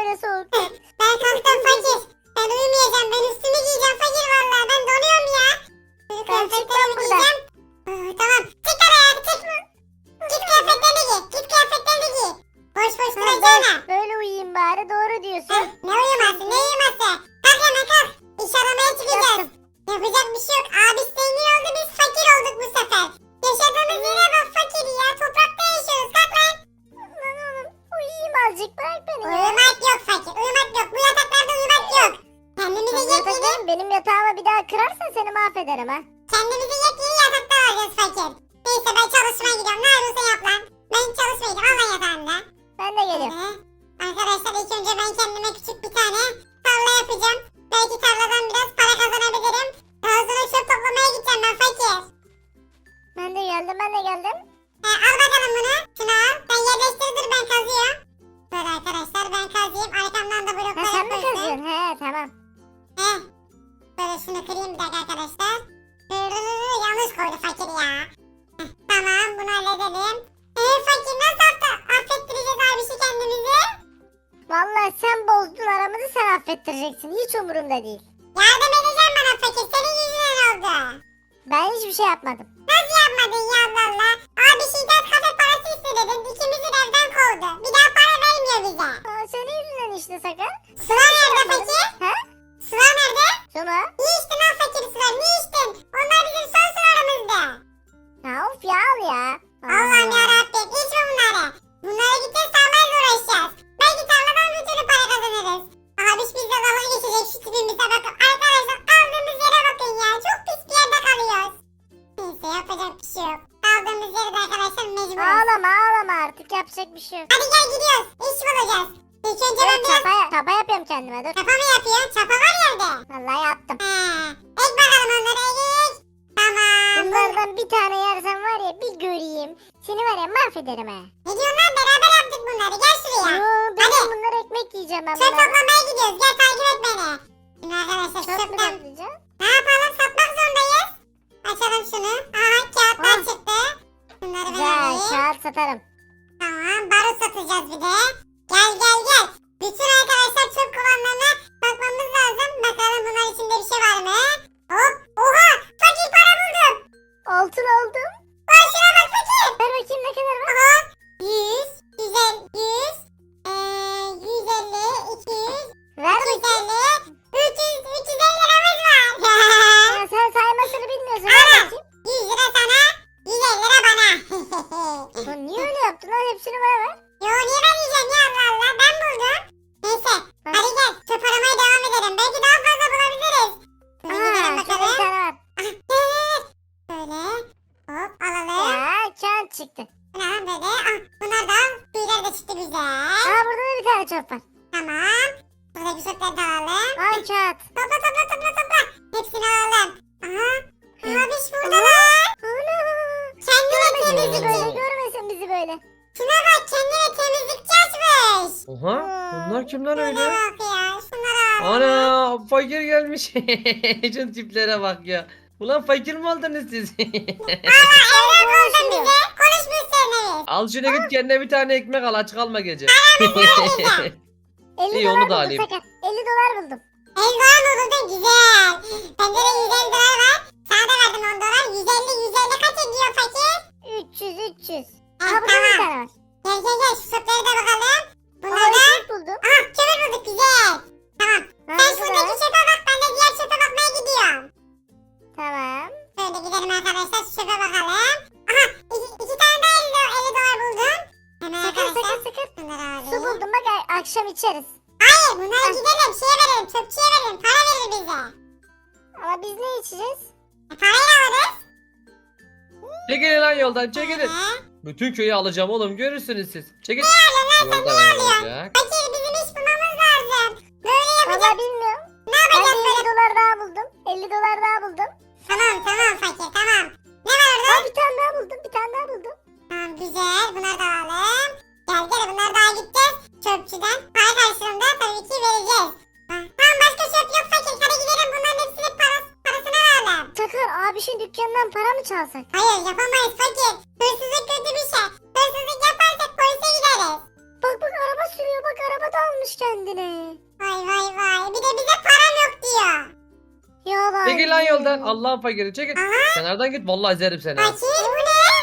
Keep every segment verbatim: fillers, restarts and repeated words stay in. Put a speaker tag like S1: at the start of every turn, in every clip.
S1: böyle soğuk.
S2: Ben kalktım fakir. Ben uyumayacağım. Ben üstümü giyeceğim fakir vallahi. Ben donuyorum ya. Böyle
S1: Ben çıkmam
S2: kıyafetlerimi
S1: buradan.
S2: giyeceğim. Aa, tamam. Çık oraya çık. Git kıyafetlerini giy. Git kıyafetlerini giy. Boş boş
S1: Ha,
S2: duracağına.
S1: ben böyle uyuyayım bari, doğru
S2: Heh,
S1: diyorsun.
S2: ne uyuması ne uyuması. Kalk hemen kalk. İş aramaya çıkacağız.
S1: Yaptım.
S2: Yapacak bir şey yok. Abi zengin oldu biz fakir olduk bu sefer. Yaşadığımız yere bak fakir ya. Toprakta yaşıyoruz. Kalk lan.
S1: Lan oğlum uyuyayım azıcık, bırak beni ya.
S2: Uyumak yok fakir. Uyumak yok. Bu yataklarda uyumak yok. Kendimize
S1: Sen
S2: yepyeni,
S1: yatakta- benim yatağıma bir daha kırarsan seni mahvederim ha.
S2: kendimize yepyeni yataklar alacağız fakir. Neyse ben çalışmaya gidiyorum. Ne yapıyorsan yap lan. Ben çalışmaya gidiyorum. Al lan yatağında.
S1: Ben de geliyorum.
S2: Ee, arkadaşlar ilk önce ben kendime küçük bir tane tarla yapacağım. Belki tarladan biraz para kazanabilirim. Daha sonra çöp toplamaya gideceğim ben fakir.
S1: Ben de geldim, ben de geldim.
S2: Ee, al bakalım bunu. Şunu al. Sen yerleştir dur ben kazıyorum. Böyle arkadaşlar ben kazıyım. Arkamdan da
S1: Ha,
S2: bloklar
S1: sen mi
S2: yapıyorsun.
S1: kazıyorsun? He tamam.
S2: Heh. Böyle şunu kırayım bir dakika arkadaşlar. Hırrrr, yanlış koydu fakir ya. Heh, tamam bunu halledelim. Eee fakir nasıl affe- affettireceğiz abisi kendimizi?
S1: Vallahi sen bozdun aramızı, sen affettireceksin. Hiç umurumda değil.
S2: Yardım edeceğim bana fakir. Senin yüzünden oldu.
S1: Ben hiçbir şey yapmadım.
S2: Nasıl yapmadın ya Allah Allah? Abi şiddet kafe parası istedin. İkimizi de evden kovdu. Bir daha para vermiyor bize.
S1: Aa, senin yüzünden işte Sakar.
S2: Sıla nerede fakir?
S1: He?
S2: Sıla nerede?
S1: Suma?
S2: Niye içtin lan fakir sular? Niye içtin? Onlar bizim son sularımızdı.
S1: Ya of ya, al ya.
S2: Allah'ım
S1: Allah.
S2: yarabbim içme bunları. Bunlara gideceğiz tarlayla uğraşacağız. Belki tarladan bir türlü para kazanırız. Abiş bizle dalga geçecek şu tipimize bakın. Arkadaşlar kaldığımız yere bakın ya. Çok pis bir yerde kalıyoruz. Neyse yapacak bir şey yok. Kaldığımız yerde arkadaşlar mecburuz.
S1: Ağlama ağlama, artık yapacak bir şey yok.
S2: Hadi gel gidiyoruz. İş bulacağız. İlk önce ben
S1: Evet,
S2: biraz
S1: çapa, çapa yapıyorum kendime, dur.
S2: çapa mı yapıyorum? Çapa var yerde.
S1: Vallahi yaptım.
S2: He. Ek bakalım onları ek. Tamam.
S1: Bunlardan bir tane yersen var ya, bir göreyim. Seni var ya mahvederim ha.
S2: Ne diyorsun lan? Beraber yaptık bunları. Gel şuraya.
S1: Yo, ben
S2: Hadi.
S1: bunları ekmek yiyeceğim ben
S2: Çöp
S1: bunları.
S2: toplamaya gidiyoruz. Gel takip et beni. Şimdi arkadaşlar şu
S1: Çöp mü
S2: çöpten
S1: toplayacağım?
S2: ne yapalım? Satmak zorundayız. Açalım şunu. Aha kağıtlar
S1: Ah.
S2: çıktı. Bunları ben
S1: Güzel,
S2: alayım.
S1: kağıt satarım.
S2: Tamam barut satacağız bir de. Gel gel gel. Bütün arkadaşlar çöp kovanlarına bakmamız lazım. Bakalım bunlar içinde bir şey var mı? Hop. Oha. Fakir para buldum.
S1: Altın aldım.
S2: Lan şuna bak fakir.
S1: Ver bakayım ne kadar var.
S2: Aha. yüz. Güzel. yüz. Eee yüz elli. iki yüz.
S1: Ver
S2: iki yüz
S1: bakayım.
S2: elli. üç yüz. üç yüz elli liramız var.
S1: Ya sen saymasını bilmiyorsun.
S2: Ana.
S1: Ver bakayım.
S2: yüz lira sana. yüz elli lira bana.
S1: Lan niye öyle yaptın lan? Hepsini bana ver.
S2: Yo niye vereceğim ya Allah Allah ben buldum. Neyse
S1: Ha.
S2: hadi gel çöp aramaya devam edelim. Belki daha fazla bulabiliriz. Şöyle gidelim
S1: Aa, şurada bir
S2: bakalım.
S1: tane var.
S2: Böyle hop alalım.
S1: Ya kağıt çıktı.
S2: Bu ne lan böyle? Ah bunlar da tüyler de çıktı güzel.
S1: Aa, burada da bir tane çöp var.
S2: Tamam. Buradaki çöpleri de alalım.
S1: Al kağıt.
S2: Topla topla topla topla. Hepsini alalım. Aha.
S1: Hı.
S2: Abiş burada lan.
S1: Ana.
S2: Kendine
S1: Görmesin bizi
S2: temizlikçi.
S1: böyle. Görmesin bizi böyle.
S2: Şuna bak kendine temizlikçi açmış.
S3: Oha, bunlar kim lan
S2: Şuna
S3: öyle?
S2: bak ya. Şunlara al.
S3: Ana, fakir gelmiş. Şu tiplere bak ya. Ulan fakir mi oldunuz siz?
S2: Evden koydun bize. Konuşmuş seninle.
S3: Al şuna git kendine bir tane ekmek al, aç kalma gece.
S1: elli
S3: İyi,
S1: dolar
S3: onu da
S1: buldum
S3: alayım.
S1: Sakar. elli dolar buldum.
S2: Elvan buldun güzel. Bende de yüz elli dolar var. Sana da verdim on dolar. yüz elli yüz elli kaç ediyor fakir?
S1: üç yüz üç yüz.
S2: Ha,
S1: Aa, burada da bir
S2: tamam.
S1: tane var.
S2: Gel gel gel şu çöpleri de bakalım. Bunlar
S1: Aa,
S2: da.
S1: ekmek buldum.
S2: Aha kömür bulduk güzel. Tamam.
S1: Ha,
S2: Sen
S1: burada da
S2: şuradaki
S1: var.
S2: çöpe bak. Ben de diğer çöpe bakmaya gidiyorum.
S1: Tamam.
S2: Böyle gidelim arkadaşlar şu çöpe bakalım. Aha iki, iki tane daha elli, elli dolar buldum. Hemen
S1: Sakar
S2: arkadaşlar.
S1: sakar sakar.
S2: Bunları alayım.
S1: Su buldum bak, a- akşam içeriz.
S2: Hayır bunları gidelim şeye verelim. Çöpçüye verelim. Para verir bize.
S1: Ama biz ne içeceğiz?
S2: E, parayla alırız.
S3: Çekilin lan yoldan, çekilin.
S2: Ee?
S3: Bütün köyü alacağım oğlum, görürsünüz siz. Çekil. Yolda
S2: alıyorsun?
S3: olacak.
S2: Fakir bizim iş bulmamız lazım. Böyle yapacağız.
S1: Valla bilmiyorum.
S2: Ne
S1: Ben de
S2: yapacağız
S1: elli
S2: böyle?
S1: dolar daha buldum. elli dolar daha buldum.
S2: Tamam tamam fakir tamam. Ne var orada?
S1: Aa, bir tane daha buldum. Bir tane daha buldum.
S2: Tamam güzel bunları da alalım. Gel gel bunları daha gideceğiz. Çöpçüden para karşılığında tabii ki vereceğiz. Ha, tamam başka çöp yok fakir. Hadi gidelim bunların hepsini parası, parasını alalım.
S1: Sakar abişin dükkanından para mı çalsak?
S2: Hayır yapamayız fakir. Hırsızlık kötü bir şey. Hırsızlık yaparsak polise gideriz.
S1: Bak bak araba sürüyor, bak araba da almış kendine.
S2: Vay vay vay. Bir de bize param yok diyor.
S1: Yalan.
S3: Çekil lan yoldan. Allah'ın fakiri çekil. Kenardan git vallahi ezerim seni. ha.
S2: Fakir bu ne?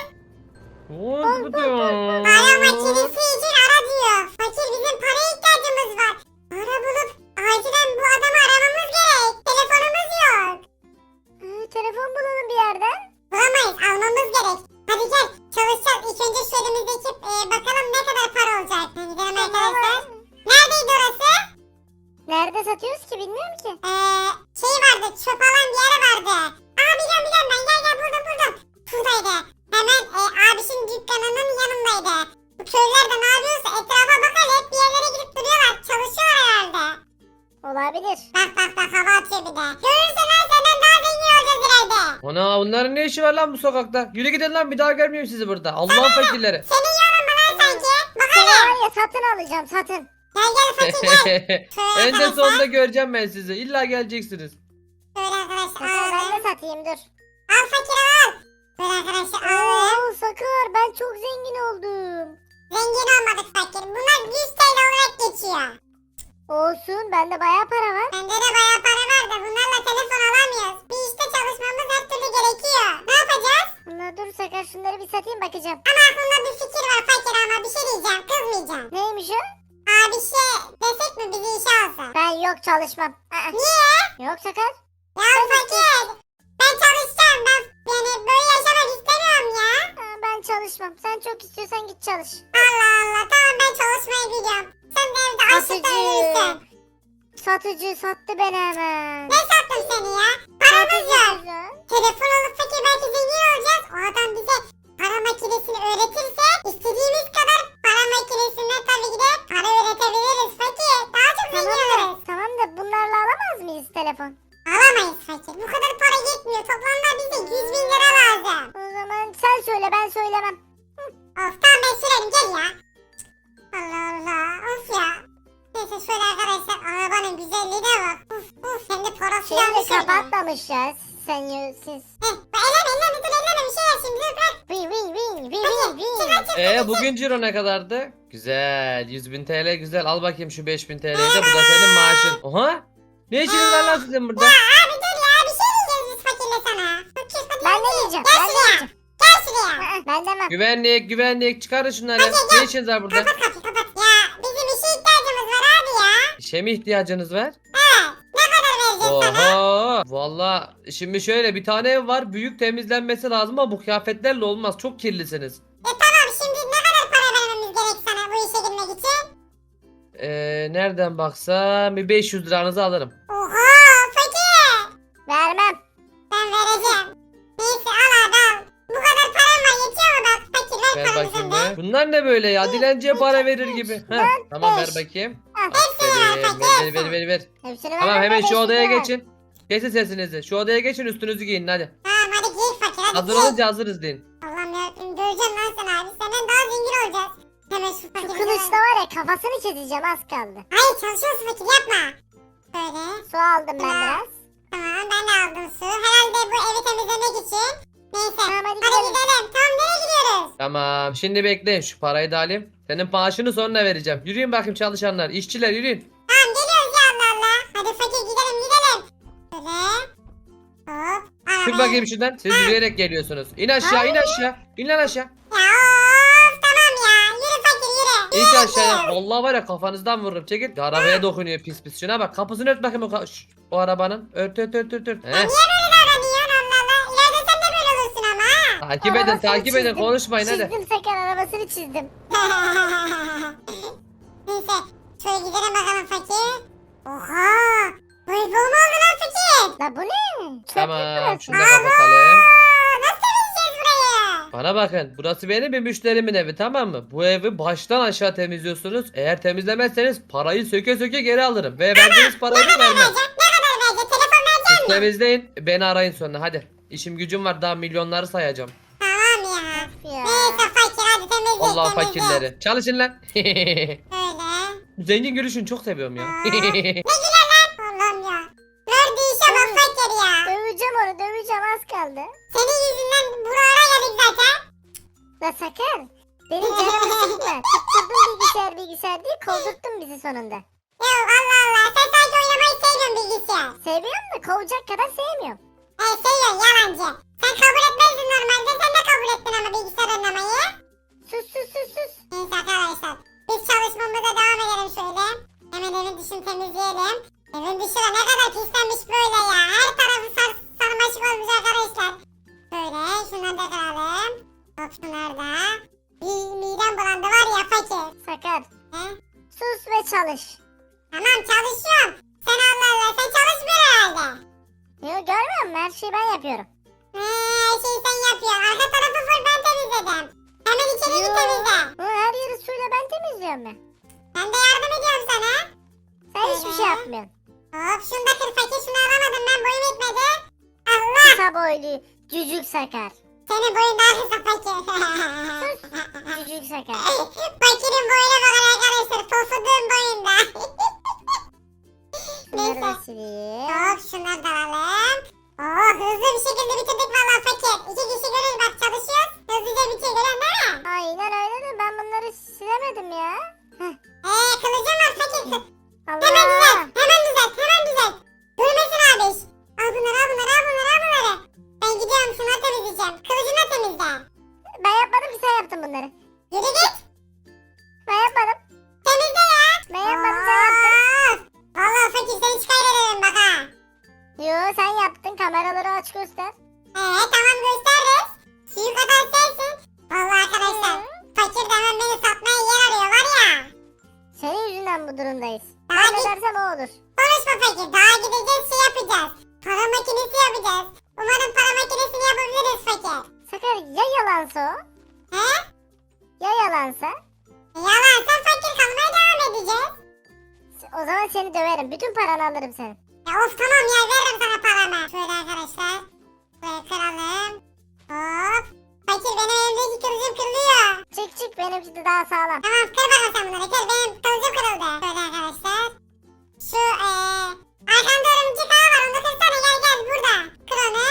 S3: Oo, bu diyor.
S2: Para makinesi için ara diyor. Fakir bizim paraya ihtiyacımız var. Para bulup acilen bu adamı aramamız gerek. Telefonumuz yok.
S1: Ee, telefon bulalım bir yerden.
S2: Bulamayız, almamız gerek. Hadi gel çalışacağız. İlk önce şu elimizdeki e, bakalım ne kadar para olacak. Hadi gidelim arkadaşlar. Neredeydi orası?
S1: Nerede satıyoruz ki bilmiyorum ki.
S2: Ee, şey vardı, çöp alan bir yer vardı. Aa biliyorum biliyorum ben, gel gel buldum buldum. Şuradaydı. Hemen e, abişin dükkanının yanındaydı. Bu köylüler de ne yapıyorsa etrafa bakar, hep bir yerlere gidip duruyorlar. Çalışıyorlar herhalde.
S1: Olabilir.
S2: Bak bak bak, hava atıyor bir de. Görürsen ha, senden daha zengin olacağız ileride.
S3: Ana onların ne işi var lan bu sokakta? Yürü gidin lan bir daha görmeyeyim sizi burada. Allah'ın fakirleri.
S2: Senin yanın mı lan sanki? Bak
S1: Seni
S2: hadi.
S1: var ya satın alacağım satın.
S2: Gel gel fakir gel. Şöyle
S3: En de
S2: arkadaşlar.
S3: sonunda göreceğim ben sizi. İlla geleceksiniz.
S2: Şöyle arkadaşlar
S1: Sakar ben
S2: alalım.
S1: de satayım dur.
S2: Al fakir al. Böyle arkadaşlar alalım.
S1: Oo Sakar ben çok zengin oldum.
S2: Zengin olmadık fakir. Bunlar yüz T L olarak geçiyor.
S1: Olsun bende bayağı para var.
S2: Bende de bayağı para var da bunlarla telefon alamıyoruz. Bir işte çalışmamız her türlü gerekiyor. Ne yapacağız?
S1: Bunlar dur Sakar şunları bir satayım bakacağım.
S2: Ama aklımda bir fikir var fakir, ama bir şey diyeceğim. Kızmayacağım.
S1: Neymiş o?
S2: Abi şey desek mi bizi işe alsın?
S1: Ben yok çalışmam. Aa,
S2: Niye?
S1: yok Sakar.
S2: Ya fakir. Ben çalışacağım. Ben yani böyle yaşamak istemiyorum ya.
S1: Aa, ben çalışmam. Sen çok istiyorsan git çalış.
S2: Allah Allah, tamam ben çalışmayı biliyorum. Sen de evde açlıktan ölürsün.
S1: Satıcı sattı beni hemen.
S2: Ne sattım seni ya? Paramız yok.
S1: Satıcı.
S2: Telefon alıp fakir belki zengin olacağız. O adam bize para makinesini öğretirse istediğimiz kadar para makinesinden tabii ki de para üretebiliriz fakir. Daha çok
S1: Tamam
S2: zengin
S1: da,
S2: oluruz.
S1: tamam da bunlarla alamaz mıyız telefon?
S2: Alamayız fakir. Bu kadar para yetmiyor. Toplamda bize yüz bin lira lazım.
S1: O zaman sen söyle ben söylemem.
S2: Of tamam ben sürerim, gel ya. Allah Allah. Of ya. Neyse şöyle arkadaşlar, arabanın güzelliğine bak. Uf uf, hem de parası
S1: Şeyi de
S2: yanlış oldu.
S1: kapatmamış ya. Sen yo- siz.
S2: Heh, elleme elleme, dur elleme, bir şey yap şimdi, dur bırak.
S1: Win win win win
S2: Hadi
S1: win
S2: çık
S1: win.
S2: lan çık.
S3: Ee bugün ciro ne kadardı? Güzel. yüz bin T L güzel. Al bakayım şu beş bin T L'yi de. Bu da senin maaşın. Oha. Ne işiniz var lan sizin burada?
S2: Abi dur ya, bir şey diyeceğiz biz fakirle sana. Fakir hadi
S1: Ben
S2: hadi.
S1: ne diyeceğim?
S2: Gel
S1: Ben ne
S2: şuraya.
S1: diyeceğim?
S2: Gel şuraya.
S1: Aa, ben demem.
S3: Güvenlik güvenlik çıkarın şunları. Ne işiniz var burada?
S2: Kapat kapıyı kapat. Ya bizim işe ihtiyacımız var abi ya.
S3: İşe mi ihtiyacınız var?
S2: Evet. Ne kadar vereceğiz sana?
S3: Oha. Valla şimdi şöyle bir tane ev var. Büyük temizlenmesi lazım ama bu kıyafetlerle olmaz. Çok kirlisiniz.
S2: E tamam, şimdi ne kadar para vermemiz gerek sana bu işe girmek için?
S3: Ee, nereden baksam bir beş yüz liranızı alırım.
S2: Oha fakir.
S1: Vermem.
S2: Ben vereceğim. Neyse al abi al. Bu kadar param var, yetiyor mu bak fakir, ver
S3: Ver
S2: paramızı
S3: bakayım
S2: da.
S3: be. Bunlar ne böyle ya? Dilenciye para verir gibi. Heh, tamam ver
S1: beş.
S3: bakayım.
S1: Ah.
S3: Aferin. Ver ver ver ver. ver.
S1: Hepsini
S3: Tamam
S1: vermem
S3: hemen
S1: de
S3: şu
S1: beş
S3: odaya
S1: yüz ver.
S3: geçin. Kesin sesinizi. Şu odaya geçin üstünüzü giyin hadi.
S2: Tamam hadi giy fakir, hadi
S3: Hazır
S2: giy.
S3: olunca hazırız deyin.
S2: Allah'ım yarabbim, göreceğim lan sen abi. Senden daha zengin olacağız. Hemen şu
S1: Şu
S2: fakiri.
S1: kılıçla var ya kafasını keseceğim az kaldı.
S2: Hayır, çalışıyorsun fakir, yapma. Böyle.
S1: Su aldım ben biraz.
S2: Tamam ben de aldım su. Herhalde bu evi temizlemek için. Neyse.
S1: Tamam hadi
S2: Hadi
S1: gidelim.
S2: gidelim. Tamam, nereye gidiyoruz?
S3: Tamam şimdi bekleyin şu parayı da alayım. Senin maaşını sonra vereceğim. Yürüyün bakayım çalışanlar. İşçiler yürüyün.
S2: Tamam geliyoruz ya, Allah Allah. Hadi fakir gidelim gidelim. Böyle. Hop. Arabaya.
S3: Çık bakayım şuradan. Siz yürüyerek geliyorsunuz. İn aşağı in aşağı. İn lan aşağı.
S2: Ya of tamam ya. Yürü fakir yürü.
S3: İn aşağıya. Vallahi var ya kafanızdan vururum. Çekil. Arabaya dokunuyor pis pis. Şuna bak kapısını ört bakayım o, ka- Şş, o arabanın. Ört ört ört ört. ört. Heh.
S2: Niye böyle davranıyorsun, Allah Allah. İleride sen de böyle olursun ama.
S3: Takip edin
S1: Arabasını
S3: takip edin
S1: çizdim.
S3: konuşmayın hadi.
S1: Çizdim Sakar arabasını çizdim.
S2: Neyse. Şöyle gidelim bakalım fakir. Oha. Böyle bol mu oldu lan fakir?
S1: La bu ne? Çöplük
S3: Tamam
S1: burası.
S3: şunu da kapatalım.
S2: Aa, nasıl temizleyeceğiz burayı?
S3: Bana bakın burası benim bir müşterimin evi tamam mı? Bu evi baştan aşağı temizliyorsunuz. Eğer temizlemezseniz parayı söke söke geri alırım. Ve verdiğiniz parayı da vermem.
S2: Verecek, ne kadar verecek? Telefon verecek
S3: Siz temizleyin beni arayın sonra hadi. İşim gücüm var daha milyonları sayacağım.
S2: Tamam ya.
S1: Ya.
S2: Neyse fakir hadi temizle
S3: Allah
S2: temizle.
S3: fakirleri. Çalışın lan.
S2: Böyle.
S3: Zengin gülüşünü çok seviyorum ya.
S2: Ne güzel lan. Allah'ım ya. Gördüğü işe bak fakir ya.
S1: Döveceğim onu döveceğim az kaldı.
S2: Senin yüzünden buralara geldik zaten.
S1: La Sakar Benim canımı sıkma. Tutturdun bilgisayar bilgisayar diye kovdurttun bizi sonunda.
S2: Yok Allah Allah. Sen sadece oynamayı seviyorsun bilgisayar.
S1: Seviyorum da kovacak kadar sevmiyorum.
S2: He seviyorsun yalancı. Sen kabul etmezdin normalde. Sen de kabul ettin ama bilgisayar oynamayı.
S1: Sus sus sus sus.
S2: Neyse arkadaşlar. Biz çalışmamıza devam edelim şöyle. Hemen evin dışını temizleyelim. Evin dışı da ne kadar pislenmiş böyle ya. Her tarafı sar sarmaşık olmuş arkadaşlar. Böyle şunları da kıralım. Hop şunları da. Bir midem bulandı var ya fakir.
S1: Sakar.
S2: He?
S1: Sus ve çalış.
S2: Tamam çalışıyorum. Sen Allah Allah sen çalışmıyor herhalde.
S1: Yo görmüyor musun? Her şeyi ben yapıyorum.
S2: He, her şeyi sen yapıyorsun. Arka tarafı full ben temizledim. Hemen içeriği
S1: Yo.
S2: temizle.
S1: Bu her yeri suyla ben temizliyorum ben.
S2: Ben de yardım ediyorum sana.
S1: Sen hiçbir şey yapmıyorsun.
S2: Hop şunu da kır fakir şunu alamadım ben boyum yetmedi. Allah
S1: Kısa boylu cücük Sakar.
S2: senin boyun daha kısa fakir.
S1: Cücük Sakar.
S2: Fakirin boyuna bakın arkadaşlar pofuduğun boyunda.
S1: Bunları da
S2: Neyse.
S1: sileyim.
S2: Hop şunları da alalım. Oo hızlı bir şekilde bitirdik valla fakir. İki kişi görür bak çalışıyoruz. Hızlıca bitiyor görüyorsun değil mi?
S1: Aynen öyle de ben bunları silemedim ya. Heh.
S2: Eee kılıcım var fakir. Hemen düzelt.
S1: Allah.
S2: Hemen düzelt. Hemen düzelt. Durmasın abi iş. Al bunları al bunları al bunları al bunları. Ben gidiyorum şunları temizleyeceğim. Kılıcını da temizle.
S1: Ben yapmadım ki sen yaptın bunları.
S2: Yürü git.
S1: Ben yapmadım.
S2: Temizle ya.
S1: Ben yapmadım sen yaptın.
S2: Of. Vallahi fakir seni şikayet ederim bak ha.
S1: Yo sen yaptın kameraları aç göster.
S2: Eee tamam gösteririz. Suyu kadar sensin. Vallahi arkadaşlar. Fakir de hemen beni satmaya yer arıyor var ya.
S1: Senin yüzünden bu durumdayız.
S2: Daha
S1: Ben ne
S2: git.
S1: dersem o olur.
S2: Konuşma fakir. Daha gideceğiz şey yapacağız. Para makinesi yapacağız. Umarım para makinesini yapabiliriz fakir.
S1: Sakar ya yalansa o?
S2: He?
S1: Ya yalansa?
S2: Yalansa fakir kalmaya devam edeceğiz.
S1: O zaman seni döverim. Bütün paranı alırım senin.
S2: Ya of tamam ya veririm sana paramı. Şöyle arkadaşlar. Şöyle kıralım. Hop. Fakir benim elimdeki kılıcım kırılıyor.
S1: Çık çık benimki de daha sağlam.
S2: Tamam kır bakalım sen bunları kır benim kılıcım kırıldı. Şöyle arkadaşlar. Şu eee. Arkanda örümcek ağı var onu kırsana gel gel burada. Kır onu.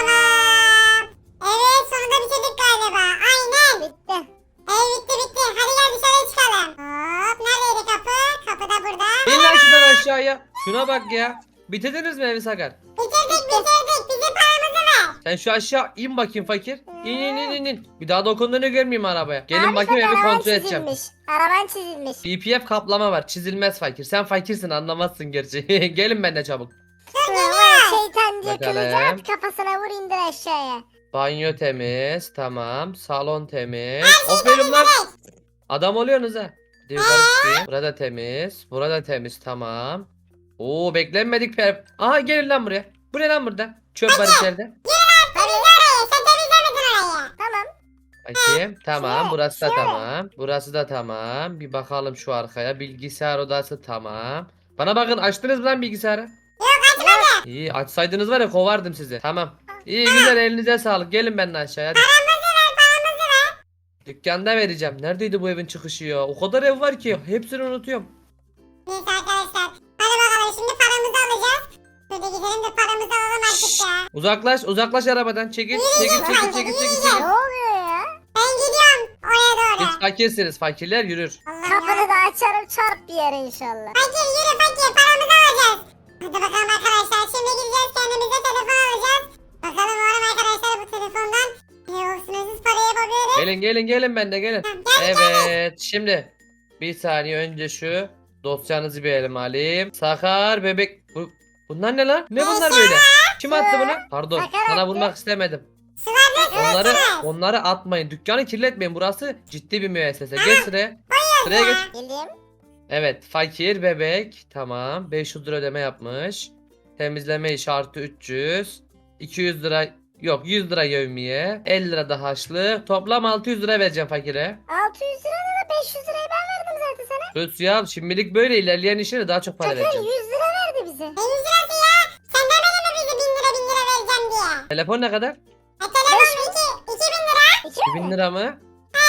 S2: Tamam. Evet sonunda bitirdik galiba. Aynen.
S1: Bitti.
S2: Ev bitti bitti. Hadi gel dışarıya çıkalım. Hop neredeydi kapı? Kapı da burada.
S3: İn lan şuradan aşağıya. Şuna bak ya. Bitirdiniz mi evi Sakar?
S2: Bitirdik bitirdik. Bizim paramızı ver.
S3: Sen şu aşağı in bakayım fakir. İn in in in in. Bir daha dokunduğunu görmeyeyim arabaya. Gelin
S1: Abi
S3: bakayım
S1: Sakar,
S3: evi
S1: araban
S3: kontrol edeceğim.
S1: çizilmiş. Araban çizilmiş.
S3: B P F kaplama var. Çizilmez fakir. Sen fakirsin anlamazsın gerçi. Gelin benimle çabuk.
S1: Şuna var şeytan diye
S3: Bakalım.
S1: kılıcı at kafasına vur indir aşağıya.
S3: Banyo temiz. Tamam. Salon temiz. Aferin lan. Adam oluyorsunuz ha. Bir de yukarı çıkayım. Burada temiz. Burada temiz. Tamam. Oo beklenmedik per. Aha gelin lan buraya. Bu ne lan burada? Çöp var içeride.
S2: Temizle orayı. Sen temizlemedin orayı.
S1: Tamam.
S3: Bakayım. Tamam.
S1: Şöyle,
S3: Burası da
S1: şöyle.
S3: tamam. Burası da tamam. Bir bakalım şu arkaya. Bilgisayar odası tamam. Bana bakın açtınız mı lan bilgisayarı?
S2: Yok açmadı.
S3: İyi açsaydınız var ya kovardım sizi. Tamam. İyi güzel elinize sağlık. Gelin benimle aşağıya. Hadi.
S2: Paramızı ver paramızı ver.
S3: Dükkanda vereceğim. Neredeydi bu evin çıkışı ya? O kadar ev var ki. Hepsini unutuyorum.
S2: Neyse arkadaşlar. Hadi bakalım şimdi paramızı alacağız. Şöyle gidelim de paramızı alalım artık ya.
S3: Uzaklaş, uzaklaş arabadan. Çekil, çekil, çekil, çekil, çekil, çekil.
S1: Ne oluyor ya?
S2: Ben gidiyorum oraya doğru.
S3: Siz fakirsiniz. Fakirler yürür.
S2: Allah'ım
S1: Kapını
S2: ya.
S1: da açarım çarp bir yere inşallah.
S2: Fakir yürü fakir paramızı alacağız. Hadi bakalım arkadaşlar şimdi gideceğiz kendimize telefon alacağız. Bakalım umarım arkadaşlar bu telefondan e, o sınırsız parayı yapabiliriz.
S3: Gelin, gelin, gelin ben de gelin.
S2: Tamam, Gel gel.
S3: Evet, şimdi bir saniye önce şu dosyanızı bir elime alayım. Sakar bebek. Bu, bunlar ne lan? Ne bunlar böyle? Kim attı bunu? Pardon,
S1: Sakar
S3: sana
S1: attı.
S3: vurmak istemedim.
S2: Sular
S3: Onları onları atmayın. Dükkanı kirletmeyin. Burası ciddi bir müessese. Geç sıraya. Sıraya geç.
S1: Geleyim.
S3: Evet, fakir bebek. Tamam. beş yüz lira ödeme yapmış. Temizleme işi artı üç yüz. iki yüz lira yok yüz lira yevmiye. elli lira da harçlık. Toplam altı yüz lira vereceğim fakire.
S1: altı yüz lira da beş yüz lirayı ben verdim zaten sana.
S3: Sus ya şimdilik böyle ilerleyen işlere daha çok para
S1: Sakar
S3: vereceğim.
S1: yüz lira verdi bize.
S2: Ne yüz lirası ya? Sen demedin mi bizi bin lira bin lira vereceğim diye?
S3: Telefon ne kadar?
S2: E telefon iki, iki bin lira.
S1: İki
S3: iki
S1: mi?
S3: bin lira mı?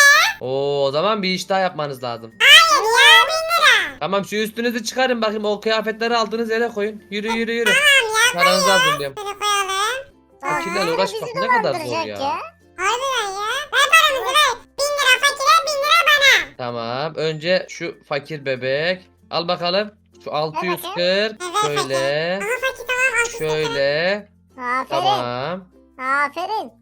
S3: Oo, o zaman bir iş daha yapmanız lazım.
S2: Hayır ya bin lira.
S3: Tamam şu üstünüzü çıkarın bakayım o kıyafetleri aldığınız yere koyun. Yürü yürü yürü.
S2: Tamam ya
S3: Paranızı
S2: koy ya.
S3: hazırlıyorum.
S2: Şöyle koyalım.
S3: Fakirlerle
S1: Aa,
S3: uğraşmak
S1: bizi
S3: ne kadar zor
S1: dolandıracak
S3: ya.
S2: Harbiden ya. Ver paramızı ver. Bin lira fakire bin lira
S3: Tamam. Önce şu fakir bebek. Al bakalım. Şu altı yüz kırk.
S2: Evet,
S3: Şöyle.
S2: Aha fakir tamam. altı yüz kırk.
S3: Şöyle.
S1: Aferin.
S3: Tamam.
S1: Aferin.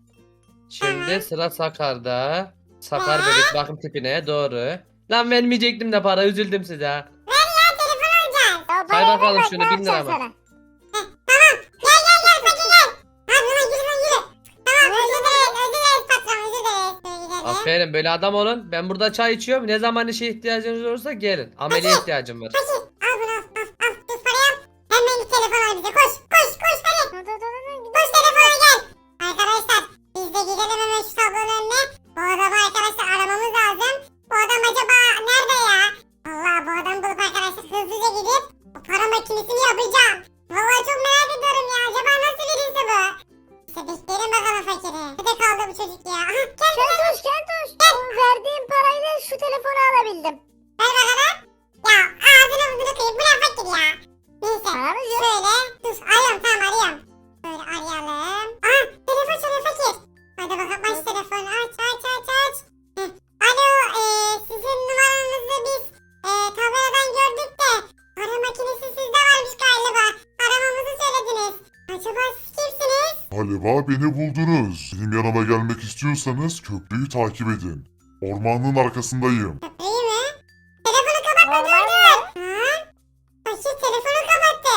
S3: Şimdi sıra Sakar'da. Sakar bebek bakım tipine doğru. Lan vermeyecektim de para, üzüldüm size ha.
S2: Ya telefon alacağız.
S1: Ya
S3: Say
S1: parayı
S3: bakalım
S1: ver bak,
S3: şunu,
S1: ne
S3: bin lira
S1: yapacağım
S3: mı?
S2: Heh,
S1: sana?
S2: tamam. Gel gel gel fakir gel. Hadi lan yürü lan yürü. Tamam özür dileriz özür dileriz patron özür dileriz. Şöyle gidelim.
S3: Aferin, böyle adam olun. Ben burada çay içiyorum. Ne zaman işe ihtiyacınız olursa gelin. Ameliye ihtiyacım var.
S2: Fakir al bunu al al al. Dur parayı al. Hemen bir telefon al bize koş koş koş hadi.
S1: Dur dur dur dur.
S2: Koş telefona gel. Arkadaşlar biz de gidelim hemen şu tablonun önüne. Bu adamı arkadaşlar aramamız lazım. Bu adam acaba nerede ya? Allah bu adamı bulup arkadaşlar hızlıca gidip o para makinesini yapacağım. Vallahi çok merak ediyorum ya. Acaba nasıl birisi bu? İşte bekleyelim bakalım fakiri. Nerede kaldı bu çocuk ya? Aha gel gel.
S1: Kentoş kentoş. Bu verdiğim parayla şu telefonu alabildim.
S2: Ver bakalım. Ya ağzını burnunu kıyıp bu ne fakir ya? Neyse.
S1: Paramız yok.
S2: Şöyle dur arıyorum tamam arıyorum. Böyle arayalım. Aha telefon çalıyor fakir. Hadi bakalım aç telefonu aç aç aç aç. Heh. Alo eee sizin numaranızı biz eee tabeladan gördük de para makinesi sizde varmış galiba. Aramamızı söylediniz. Acaba siz kimsiniz?
S4: Galiba beni buldunuz. Benim yanıma gelmek istiyorsanız köprüyü takip edin. Ormanın arkasındayım.
S2: Köprüyü mü? Telefonu kapatma dur
S1: Orman
S2: dur. Ha? Fakir telefonu kapattı.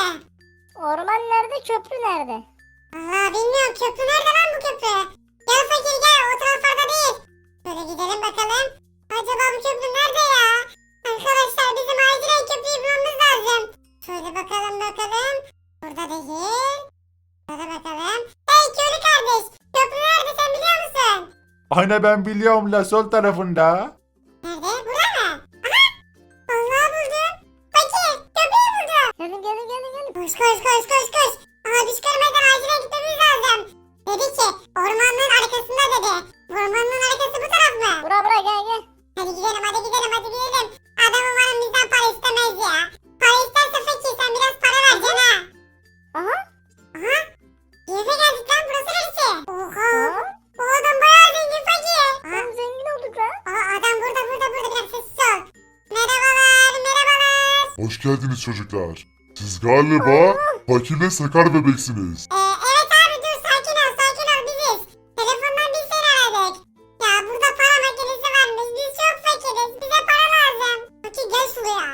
S1: Orman nerede, köprü nerede?
S2: Allah bilmiyorum köprü nerede lan bu köprü? Gel fakir gel o taraflarda değil. Böyle gidelim bakalım. Acaba bu köprü nerede ya? Arkadaşlar bizim acilen köprüyü bulmamız lazım. Şöyle bakalım bakalım. Burada değil. Burada bakalım. Hey köylü kardeş. Köprü nerede sen biliyor musun?
S5: Ana ben biliyorum la sol tarafında.
S2: Nerede? Burada mı? Aha. Vallahi buldum. Fakir köprüyü buldum.
S1: Gelin gelin gelin gelin.
S2: Koş koş koş koş koş. Aha düş görmeden acilen gitmemiz lazım. Dedi ki ormanlığın arkasında dedi. Bu ormanlığın arkası bu taraf mı?
S1: Bura bura gel gel.
S2: Hadi gidelim hadi gidelim hadi gidelim. Adam umarım bizden para istemez ya. Para isterse fakir sen biraz para vereceksin ha.
S1: Aha.
S2: Aha. Yerine geldik lan burası neresi? Oha.
S1: Aa,
S2: Bu adam bayağı zengin fakir. Aha.
S1: lan zengin olduk lan.
S2: Aa, adam burada burada burada biraz sessiz ol. Merhabalar merhabalar.
S4: Hoş geldiniz çocuklar. Siz galiba fakirle sakar bebeksiniz.
S2: Ee, evet abi dur sakin ol sakin ol biziz. Telefondan biz seni aradık. Ya burada para makinesi varmış biz çok fakiriz bize para lazım. Fakir gel şuraya.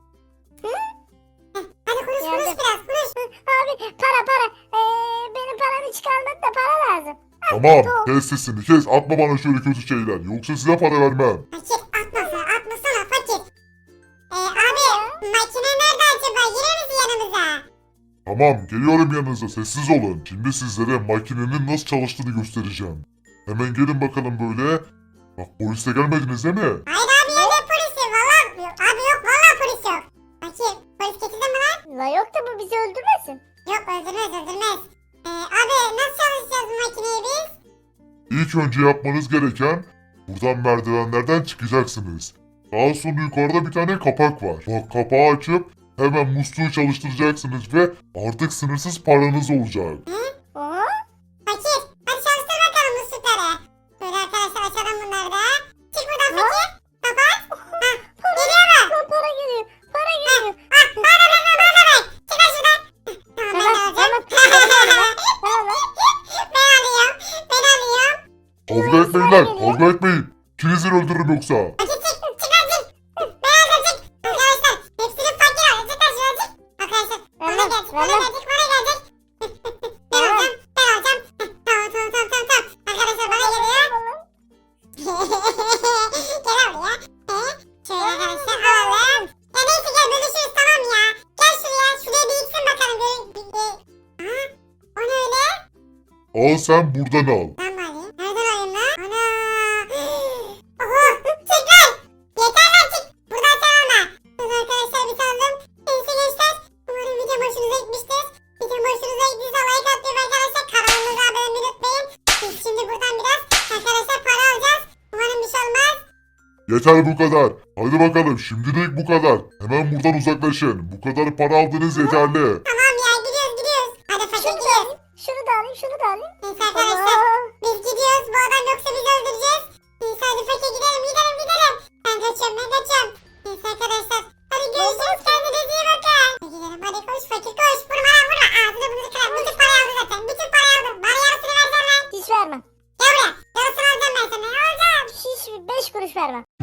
S2: Heh, hadi konuş konuş
S1: Geldim.
S2: biraz konuş.
S1: Abi para para. Ee, benim paramı çıkarmadı da para lazım.
S4: Tamam, kes sesini kes. Atma bana şöyle kötü şeyler. Yoksa size para vermem.
S2: Fakir atmasana atmasana fakir. Ee, abi makine nerede acaba girer misin yanımıza?
S4: Tamam, geliyorum yanınıza. Sessiz olun. Şimdi sizlere makinenin nasıl çalıştığını göstereceğim. Hemen gelin bakalım böyle. Bak polisle gelmediniz değil mi?
S2: Hayır abi ya ne polisi valla yok abi yok valla polis yok. Fakir polis getirdin mi lan?
S1: La yok da bu bizi öldürmesin.
S2: Yok öldürmez öldürmez. Ee, abi nasıl çalışacağız bu makineyi biz?
S4: İlk önce yapmanız gereken buradan merdivenlerden çıkacaksınız. Daha sonra yukarıda bir tane kapak var. Bak kapağı açıp hemen musluğu çalıştıracaksınız ve artık sınırsız paranız olacak.
S1: Oha.
S2: Fakir hadi çalıştır bakalım muslukları. Böyle arkadaşlar açalım bunları da. Çık buradan fakir. Kapat. Hah, geliyor mu?
S1: Lan para geliyor. Para geliyor.
S2: Ah bana ver bana ver. Çık lan şuradan. Tamam ben de
S1: Tamam
S2: alacağım.
S1: tamam. Tamam lan.
S2: Ben alıyorum. Ben alıyorum.
S4: Kavga etmeyin lan, kavga etmeyin. İkinizi öldürürüm yoksa.
S2: Fakir çık. Çık lan çık. Ben alacağım çık. Arkadaşlar hepsini fakir alacak. Çık lan şuradan çık. Arkadaşlar bana
S1: Vermem,
S2: gelecek. Bana
S1: vermem.
S2: gelecek. Bana gelecek. Ben alacağım. Ben alacağım. Tamam tamam tamam tamam. tamam. Arkadaşlar bana geliyor. Gel buraya. He? Şöyle arkadaşlar alalım. Ya neyse gel bölüşürüz tamam ya. Gel şuraya. Şuraya bir iksin bakalım. Bir, bir, bir. Aha. O ne öyle?
S4: Al sen buradan al.
S2: Lan bari. Nereden alayım lan? Ana. Oho. Çık lan. Yeter lan çık. Buradan sen alma. Dur arkadaşlar bir saldım. Neyse gençler. Umarım video hoşunuza gitmiştir. Video hoşunuza gittiyse like atmayı arkadaşlar. Kanalımıza abone olmayı unutmayın. Biz şimdi buradan biraz arkadaşlar para alacağız. Umarım bir şey olmaz.
S4: Yeter bu kadar. Hadi bakalım şimdilik bu kadar. Hemen buradan uzaklaşın. Bu kadar para aldınız yeterli.
S2: Tamam ya gidiyoruz gidiyoruz. Hadi fakir
S1: Şunu da
S2: gidiyoruz.
S1: alayım. Şunu da alayım. Şunu da alayım.
S2: Neyse arkadaşlar.
S1: Allah.
S2: Biz gidiyoruz. Bu adam yoksa bizi öldüreceğiz. Neyse hadi fakir gidelim gidelim gidelim. Ben kaçıyorum ben
S1: Süperman.